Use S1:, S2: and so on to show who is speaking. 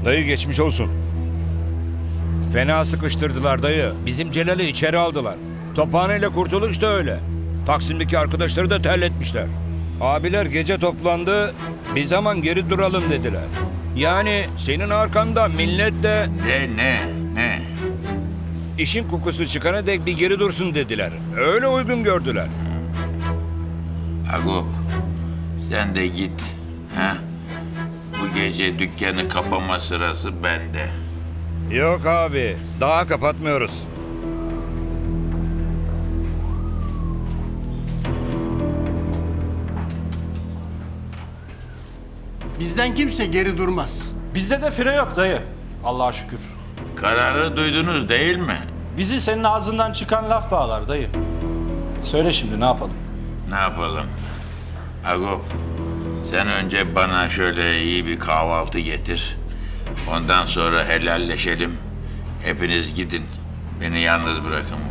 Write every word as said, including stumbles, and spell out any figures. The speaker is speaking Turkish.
S1: Dayı geçmiş olsun. Fena sıkıştırdılar dayı. Bizim Celal'i içeri aldılar. Tophaneyle kurtuluş da öyle. Taksim'deki arkadaşları da terletmişler. Abiler gece toplandı. Bir zaman geri duralım dediler. Yani senin arkanda millet de
S2: De ne? Ne?
S1: işin kokusu çıkana dek bir geri dursun dediler. Öyle uygun gördüler.
S2: Agop, sen de git. Ha? Bu gece dükkanı kapama sırası bende.
S1: Yok abi, daha kapatmıyoruz.
S3: Bizden kimse geri durmaz.
S4: Bizde de fire yok dayı. Allah'a şükür.
S2: Kararı duydunuz değil mi?
S4: Bizi senin ağzından çıkan laf bağlar dayı. Söyle şimdi ne yapalım?
S2: Ne yapalım? Agop, sen önce bana şöyle iyi bir kahvaltı getir. Ondan sonra helalleşelim. Hepiniz gidin. Beni yalnız bırakın